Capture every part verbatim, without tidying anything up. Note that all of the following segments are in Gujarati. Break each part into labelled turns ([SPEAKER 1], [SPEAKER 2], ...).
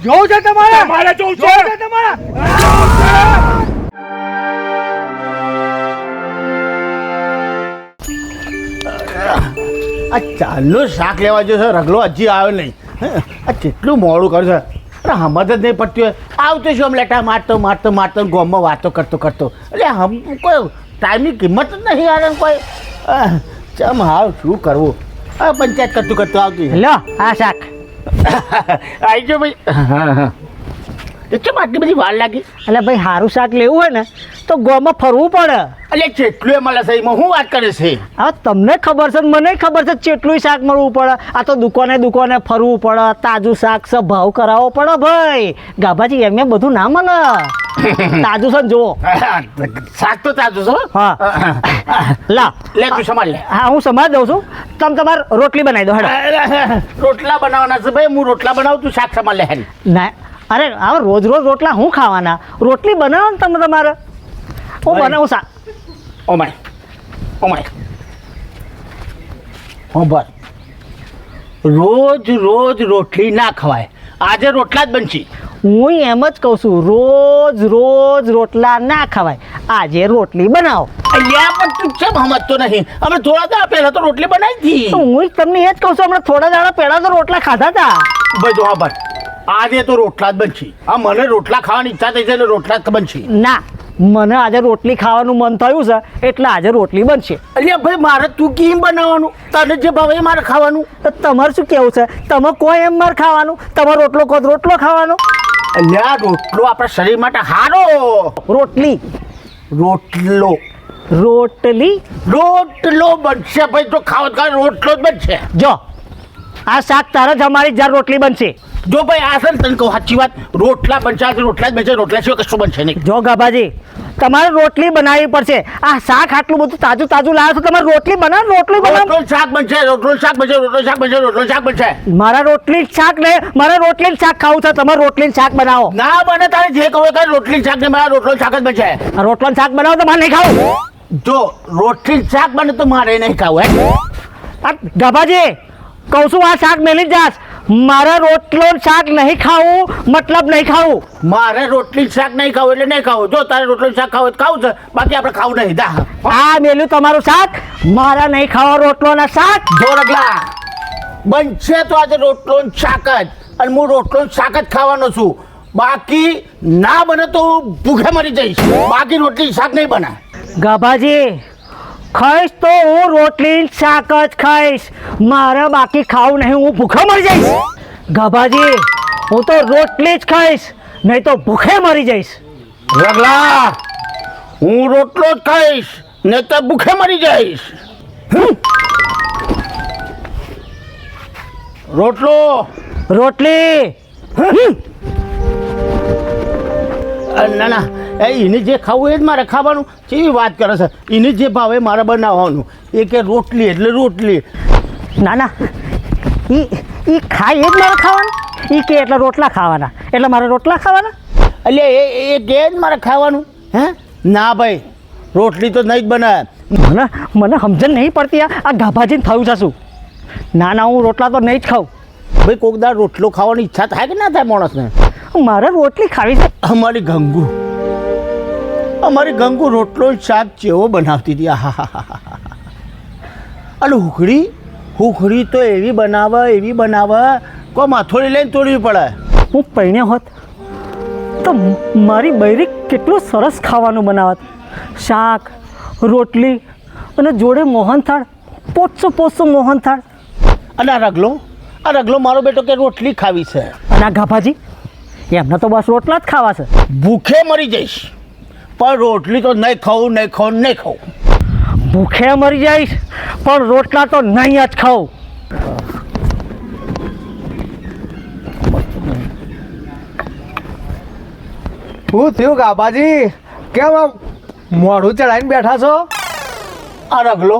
[SPEAKER 1] જોવું છે તમારે
[SPEAKER 2] તમારે જોવું છે
[SPEAKER 1] જોવું છે તમારે
[SPEAKER 3] આ ચાલનું શાક લેવા જશે રગલો હજી આવ્યો નહીં આ કેટલું મોડું કરશે અરે હમત જ નહીં પડતી હોય આવતો શું આમ લેટા મારતો મારતો મારતો ગામમાં વાતો કરતો કરતો એટલે હમ કોઈ ટાઈમની કિંમત જ નહીં યાર કોઈ ચમ હાવ શું કરવું હા પંચાયત કરતું કરતું આવતી
[SPEAKER 4] લો આ શાક
[SPEAKER 3] આવી જો ભાઈ હા હા કેમ આટલી બધી વાર લાગી
[SPEAKER 4] એટલે ભાઈ સારું શાક લેવું હોય ને તો ગોમાં ફરવું પડે
[SPEAKER 3] એટલે કેટલું એ મળે છે એમાં હું વાત કરે છે
[SPEAKER 4] હવે તમને ખબર છે મને ખબર છે કેટલું શાક મળવું પડે આ તો દુકાને દુકાને ફરવું પડે તાજું શાક છે ભાવ કરાવવો પડે ભાઈ ગાભાજી એમ એમ બધું ના મળે તાજું છે ને જુઓ
[SPEAKER 3] શાક તો તાજું છે
[SPEAKER 4] હા લા
[SPEAKER 3] લે તું સમાજ લે
[SPEAKER 4] હા હું સમાજ દઉં છું તમે તમારે રોટલી બનાવી દો હેડો
[SPEAKER 3] રોટલા બનાવવાના છે ભાઈ હું રોટલા બનાવું તું શાક સમાજ લે હેરી
[SPEAKER 4] ના અરે હવે રોજ રોજ રોટલા હું ખાવાના રોટલી બનાવો ને તમે તમારે હું બનાવું શાક
[SPEAKER 3] ઓ માય ઓ માય હો બસ રોજ રોજ રોટલી ના ખવાય આજે રોટલા જ બનશી
[SPEAKER 4] હું એમ જ કહું છું રોજ રોજ રોટલા ના ખવાય આજે રોટલી બનાવો
[SPEAKER 3] અહીંયા પણ તું કેમ સમજતો નહીં અમે થોડા દાડા પહેલા તો રોટલી બનાવી હતી
[SPEAKER 4] તો હું તમને એ જ કહું છું હમણાં થોડા દાડા પહેલા તો રોટલા ખાધા હતા
[SPEAKER 3] ભાઈ જો હા બસ આજે તો રોટલા જ બનશી આ મને રોટલા ખાવાની ઈચ્છા થઈ છે એટલે રોટલા જ બનશી
[SPEAKER 4] ના મને આજે રોટલી ખાવાનું મન થયું છે એટલે આજે રોટલી બનશે
[SPEAKER 3] અલ્યા ભાઈ મારે તું કેમ બનાવવાનું તને જે ભાવે એ મારે ખાવાનું
[SPEAKER 4] તો તમારે શું કેવું છે તમે કોઈ એમ મારે ખાવાનું તમારો રોટલો કહો તો રોટલો ખાવાનો
[SPEAKER 3] અલ્યા રોટલો આપણા શરીર માટે સારો
[SPEAKER 4] રોટલી
[SPEAKER 3] રોટલો
[SPEAKER 4] રોટલી
[SPEAKER 3] રોટલો બનશે ભાઈ તો ખાવ ખાવ રોટલો જ બનશે
[SPEAKER 4] જો આ શાક તારે જ અમારી જાર રોટલી બનશે
[SPEAKER 3] જો ભાઈ આ છે ને તને કહું સાચી વાત રોટલા બનશે આજે રોટલા જ બનશે રોટલા સિવાય કશું બનશે નહીં
[SPEAKER 4] જો ગાભાજી તમારે રોટલી બનાવવી પડશે આ શાક આટલું બધું તાજું તાજું લાવો તો તમારે રોટલી બનાવો રોટલી બનાવો
[SPEAKER 3] રોટલો શાક બનશે રોટલો શાક બનશે રોટલો શાક બનશે રોટલો શાક બનશે
[SPEAKER 4] મારા રોટલી શાક ને મારે રોટલી શાક ખાવું છે તમારે રોટલી શાક બનાવો
[SPEAKER 3] ના બને તારે જે કહો કે રોટલી શાક ને મારા રોટલો શાક જ બનશે
[SPEAKER 4] આ રોટલો શાક બનાવો તો મારે નહીં ખાવું
[SPEAKER 3] જો રોટલી શાક બને તો મારે નહીં ખાવું હે
[SPEAKER 4] આ ગાભાજી કહું છું આ શાક મેલી જ જાશ મારે રોટલો શાક નહીં ખાવું મતલબ નહીં ખાવું
[SPEAKER 3] મારે રોટલી શાક નહીં ખાવું એટલે નહીં ખાવું જો તારે રોટલી શાક ખાવું ખાવું છે બાકી આપણે ખાવું નહીં દા
[SPEAKER 4] આ મેલ્યું તમારું શાક મારા નહીં ખાવા રોટલો ના શાક
[SPEAKER 3] જો રગલા બનશે તો આજે રોટલો શાક જ અને હું રોટલો શાક જ ખાવાનો છું બાકી ના બને તો હું ભૂખે મરી જઈશ બાકી રોટલી શાક નહીં બને
[SPEAKER 4] ગાભાજી ખાઈશ તો હું રોટલી શાક જ ખાઈશ મારે બાકી ખાવું નહીં હું ભૂખે મરી જઈશ ગાભાજી હું તો રોટલી જ ખાઈશ નહીં તો ભૂખે મરી જઈશ
[SPEAKER 3] રગલા હું રોટલો જ ખાઈશ ને તો ભૂખે મરી જઈશ રોટલો
[SPEAKER 4] રોટલી
[SPEAKER 3] ના ના એ એને જે ખાવું એ જ મારે ખાવાનું કેવી વાત કરે છે એને જે ભાવે મારે બનાવવાનું એ કે રોટલી એટલે રોટલી
[SPEAKER 4] ના ના એ એ ખાય એ જ મારે ખાવાનું એ કે એટલે રોટલા ખાવાના એટલે મારે રોટલા ખાવાના
[SPEAKER 3] એટલે એ એ કે જ મારે ખાવાનું હે ના ભાઈ રોટલી તો નહીં જ બનાવે
[SPEAKER 4] મને મને સમજણ નહીં પડતી આ ગાભાજીને થયું છે શું ના ના હું રોટલા તો નહીં જ ખાઉં
[SPEAKER 3] ભાઈ કોક દાળ રોટલો ખાવાની ઈચ્છા થાય કે ના થાય માણસને
[SPEAKER 4] મારે રોટલી ખાવી છે
[SPEAKER 3] અમારી ગંગુ અમારી ગંગુ રોટલો શાક જેવો બનાવતી હતી હા હા હા હા અને હુખડી હુખડી તો એવી બનાવે એવી બનાવે કોઈ માથોડી લઈને તોડવી પડે
[SPEAKER 4] હું પૈણ્યો હોત તો મારી બૈરી કેટલું સરસ ખાવાનું બનાવત શાક રોટલી અને જોડે મોહનથાળ પોચસો પોચસો મોહનથાળ
[SPEAKER 3] અને આ રગલો આ રગલો મારો બેટો કે રોટલી ખાવી છે
[SPEAKER 4] અને આ ગાભાજી એમને તો બસ રોટલા જ ખાવા છે
[SPEAKER 3] ભૂખે મરી જઈશ પણ રોટલી તો નહીં ખાવું નહીં ખાવું નહીં ખાવું
[SPEAKER 4] ભૂખે મરી જઈશ પણ રોટલા તો નહીં જ ખાઉં
[SPEAKER 1] હું થયું ગાબાજી કેમ આમ મોઢું ચડાવીને બેઠા છો
[SPEAKER 3] આ રગલો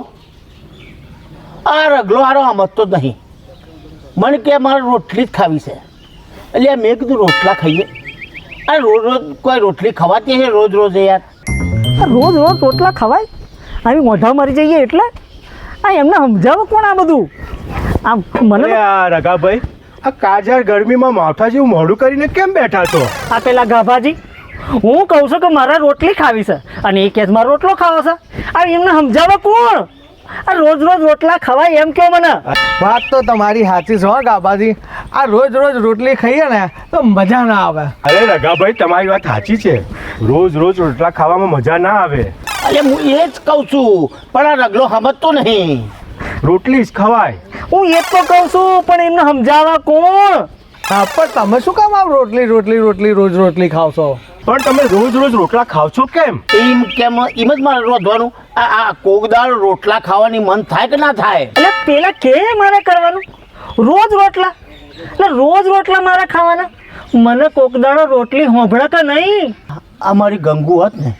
[SPEAKER 3] આ રગલો હારો સમજતો જ નહીં મને કે મારે રોટલી જ ખાવી છે એટલે મેં કીધું રોટલા ખાઈએ આ રોજ રોજ કોઈ રોટલી ખવાતી છે રોજ રોજ યાર
[SPEAKER 4] રોજ રોજ રોટલા ખવાય આવી મોઢા મરી જઈએ એટલે આ એમને સમજાવો કોણ આ બધું આમ મને
[SPEAKER 1] રગાભાઈ આ કાજર ગરમીમાં માથા જેવું મોઢું કરીને કેમ બેઠા છો?
[SPEAKER 4] આ પેલા ગાભાજી હું કહું છું કે મારે રોટલી ખાવી છે અને એ કેસ મારે રોટલો ખાવો છે. આ એમને સમજાવવા કોણ? આ રોજ રોજ રોટલા ખવાય એમ કહો મને.
[SPEAKER 1] વાત તો તમારી સાચી છે હો ગાબાજી. આ રોજ રોજ રોટલી ખાઈએ ને તો મજા ના આવે.
[SPEAKER 2] અરે રઘાભાઈ તમારી વાત સાચી છે. રોજ રોજ રોટલા ખાવામાં મજા ના આવે.
[SPEAKER 3] અરે હું એ જ કહું છું પણ આ રગલો સમજતો નહીં.
[SPEAKER 2] રોટલી જ ખવાય.
[SPEAKER 4] હું એ જ તો કહું છું પણ એમને સમજાવવા કોણ?
[SPEAKER 1] હા પણ તમે શું કામ આમ રોટલી રોટલી રોટલી રોજ રોટલી ખાવ છો?
[SPEAKER 2] પણ તમે રોજ રોજ રોટલા ખાવ છો કેમ?
[SPEAKER 3] એમ કેમ એમ જ મારે રોધવાનું? આ આ કોકદાળ રોટલા ખાવાની મન થાય કે ના થાય?
[SPEAKER 4] એટલે પેલા કે મારે કરવાનું રોજ રોટલા? એટલે રોજ રોટલા મારે ખાવાના? મને કોકદાડો રોટલી હોંભળે કે નહીં?
[SPEAKER 3] અમારી ગંગુ હોત ને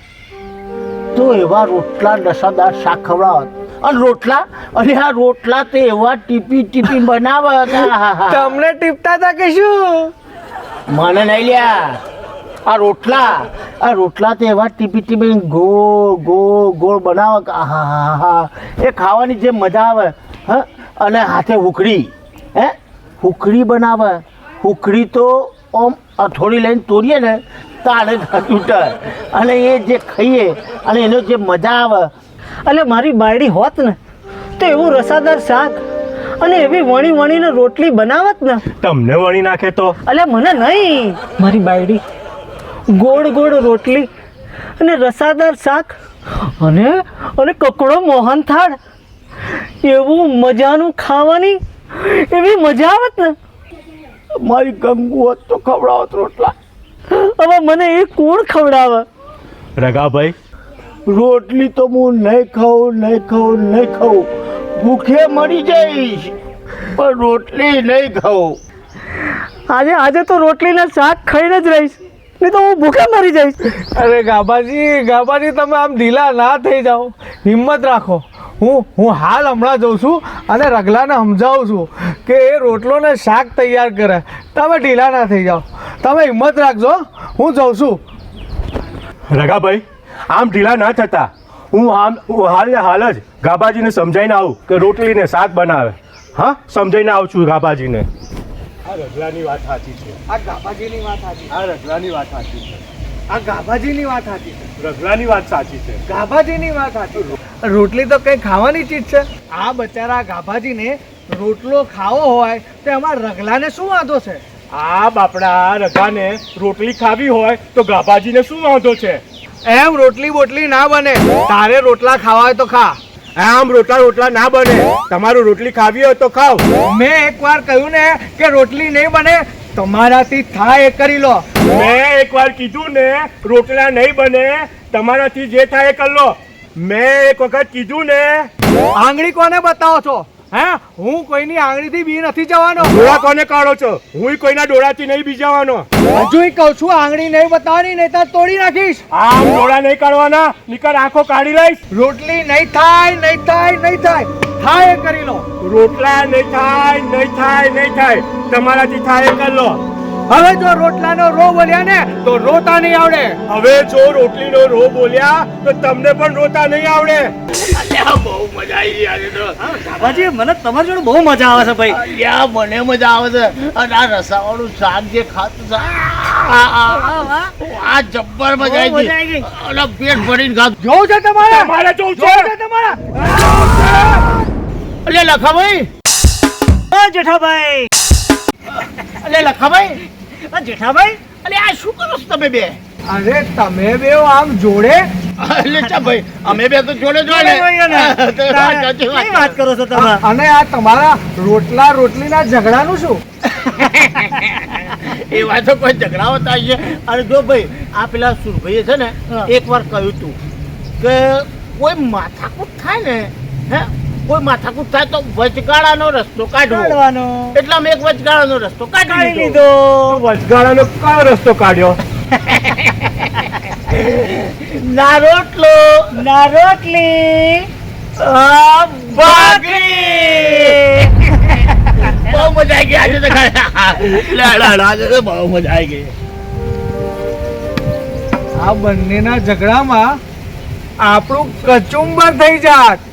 [SPEAKER 3] તો એવા રોટલા રસાદાર શાક ખવડાવત. અને રોટલા અને આ રોટલા તો એવા ટીપી ટીપી બનાવત.
[SPEAKER 1] તમને ટીપતા હતા કે શું?
[SPEAKER 3] મને નહીં લ્યા. આ રોટલા આ રોટલા તો એવા ટીપી ટીપી ગોળ ગોળ ગોળ બનાવે. હા હા હા એ ખાવાની જે મજા આવે. હા અને હાથે હુકડી હે હુકડી બનાવે. હુકડી તો આમ અથોડી લઈને તોડીએ ને તાણે તૂટે અને એ જે ખાઈએ અને એનો જે મજા આવે.
[SPEAKER 4] એટલે મારી બાયડી હોત ને તો એવું રસાદાર શાક અને એવી વણી વણીને રોટલી બનાવત ને.
[SPEAKER 2] તમને વણી નાખે તો?
[SPEAKER 4] એટલે મને નહીં, મારી બાયડી ગોળ ગોળ રોટલી અને રસાદાર શાક અને અને કકડો મોહન થાળ એવું મજાનું ખાવાની એવી મજા આવત ને.
[SPEAKER 3] મારી ગંગુ હોત તો ખવડાવત રોટલા.
[SPEAKER 4] હવે મને એ કોણ ખવડાવે?
[SPEAKER 2] રઘાભાઈ
[SPEAKER 3] રોટલી તો હું નહીં ખાઉં નહીં ખાઉં નહીં ખાઉં. ભૂખે મરી જઈશ પણ રોટલી નહીં ખાઉં.
[SPEAKER 4] આજે આજે તો રોટલીના શાક ખાઈને જ રહીશ, નહીં તો હું ભૂખે મરી જઈશ.
[SPEAKER 1] અરે ગાબાજી ગાબાજી તમે આમ ઢીલા ના થઈ જાઓ. હિંમત રાખો. હું હું હાલ હમણાં જઉં છું અને રગલાને સમજાવું છું કે એ રોટલો ને શાક તૈયાર કરે. તમે ઢીલા ના થઈ જાઓ. તમે હિંમત રાખજો. હું જઉં છું.
[SPEAKER 2] રઘાભાઈ આમ ઢીલા ના થતા. હું આમ હું હાલ ને હાલ જ ગાબાજીને સમજાઈને આવું કે રોટલી ને શાક બનાવે. હા સમજાઈને આવું છું ગાબાજીને. આ રગલાની વાત સાચી છે.
[SPEAKER 1] આ ગાબાજીની વાત સાચી.
[SPEAKER 2] આ રગલાની વાત સાચી છે.
[SPEAKER 1] આ ગાબાજીની વાત સાચી છે.
[SPEAKER 2] રગલાની વાત સાચી છે.
[SPEAKER 1] ગાભાજીની વાત સાચી. રોટલી તો કઈ ખાવાની ચીજ છે. આ બચારા ગાભાજીને રોટલો ખાવો હોય તો એમાં રગલાને શું વાંધો છે?
[SPEAKER 2] આ બાપડા રઘાને રોટલી ખાવી હોય તો ગાબાજીને શું વાંધો છે?
[SPEAKER 1] એમ રોટલી બોટલી ના બને. તારે રોટલા ખાવા હોય તો ખા.
[SPEAKER 2] આમ રોટલા રોટલા ના બને. તમારું રોટલી ખાવી હોય તો ખાઓ.
[SPEAKER 1] મેં એકવાર કહ્યું ને કે રોટલી નહીં બને. તમારાથી થાય એ કરી લો.
[SPEAKER 2] મેં એકવાર કીધું ને રોટલા નહીં બને. તમારાથી જે થાય એ કરી લો. મેં એક વખત કીધું ને.
[SPEAKER 1] આંગળી કોને બતાવો છો? હે હું કોઈની આંગળીથી બી નથી જવાનો.
[SPEAKER 2] ડોળા કોને કાઢો છો? હું કોઈના ડોળાથી નહીં બીજાવાનો.
[SPEAKER 1] હજુ કહું છું આંગળી નહીં બતાવવાની, નહીં તો તોડી નાખીશ.
[SPEAKER 2] આમ ડોળા નહીં કાઢવાના, નીકળ આંખો કાઢી લઈશ.
[SPEAKER 1] રોટલી નહીં થાય નહીં થાય નહીં થાય થાય એ કરી લો.
[SPEAKER 2] રોટલા નહીં થાય નહીં થાય નહીં થાય તમારાથી થાય એ કરી લો.
[SPEAKER 1] હવે જો રોટલાનો રો બોલ્યા ને તો રોતા નહીં આવડે.
[SPEAKER 2] હવે જો રોટલીનો રો બોલ્યા તો તમને પણ રોતા નહીં આવડે.
[SPEAKER 3] બહુ મજા આવી ગઈ આજે તો.
[SPEAKER 4] બાબાજી મને તમારી જોડે બહુ મજા આવે છે ભાઈ.
[SPEAKER 3] યા મને મજા આવે છે. અને આ રસાવાળું શાક જે ખાતું છે આ આ આ જબ્બર મજા આવી
[SPEAKER 4] મજા આવી
[SPEAKER 3] ગઈ.
[SPEAKER 4] ગઈ.
[SPEAKER 3] અને પેટ ભરીને ખાધું.
[SPEAKER 1] જોઉં છે તમારે?
[SPEAKER 2] તમારે જોવું
[SPEAKER 1] જોઉં
[SPEAKER 2] છે?
[SPEAKER 1] છે તમારે?
[SPEAKER 3] અલે લખાભાઈ
[SPEAKER 4] ઓ જેઠાભાઈ,
[SPEAKER 3] અલે લખાભાઈ
[SPEAKER 4] ઓ જેઠાભાઈ,
[SPEAKER 3] અલે આ શું કરો છો તમે બે?
[SPEAKER 1] અરે તમે બે આમ જોડે?
[SPEAKER 3] અલે ચા ભાઈ અમે બે તો જોડે જોડે. તો વાત સાચી વાત.
[SPEAKER 4] કઈ વાત કરો છો તમે?
[SPEAKER 1] અને આ તમારા રોટલા રોટલીના ઝઘડાનું શું?
[SPEAKER 3] એ વાતો કોઈ ઝઘડા હોતા છે. અને જો ભાઈ આ પેલા સુરભાઈએ છે ને
[SPEAKER 4] હા.
[SPEAKER 3] એક વાર કહ્યું તું કે કોઈ માથાકૂટ થાય ને હે કોઈ માથાકૂટ થાય તો વચગાળાનો રસ્તો કાઢવો.
[SPEAKER 4] કાઢવાનો.
[SPEAKER 3] એટલે અમે એક વચગાળાનો રસ્તો કાઢી
[SPEAKER 4] કાઢી
[SPEAKER 3] લીધો.
[SPEAKER 4] લીધો.
[SPEAKER 2] વચગાળાનો કયો રસ્તો કાઢ્યો?
[SPEAKER 3] ના રોટલો
[SPEAKER 4] ના રોટલી
[SPEAKER 3] આ ભાખરી. બહુ મજા આવી ગઈ આજે તો. લે, લે, લે, આજે તો બહુ મજા આવી ગઈ.
[SPEAKER 1] આ બંનેના ઝઘડામાં આપણું કચુંબર થઈ જાત.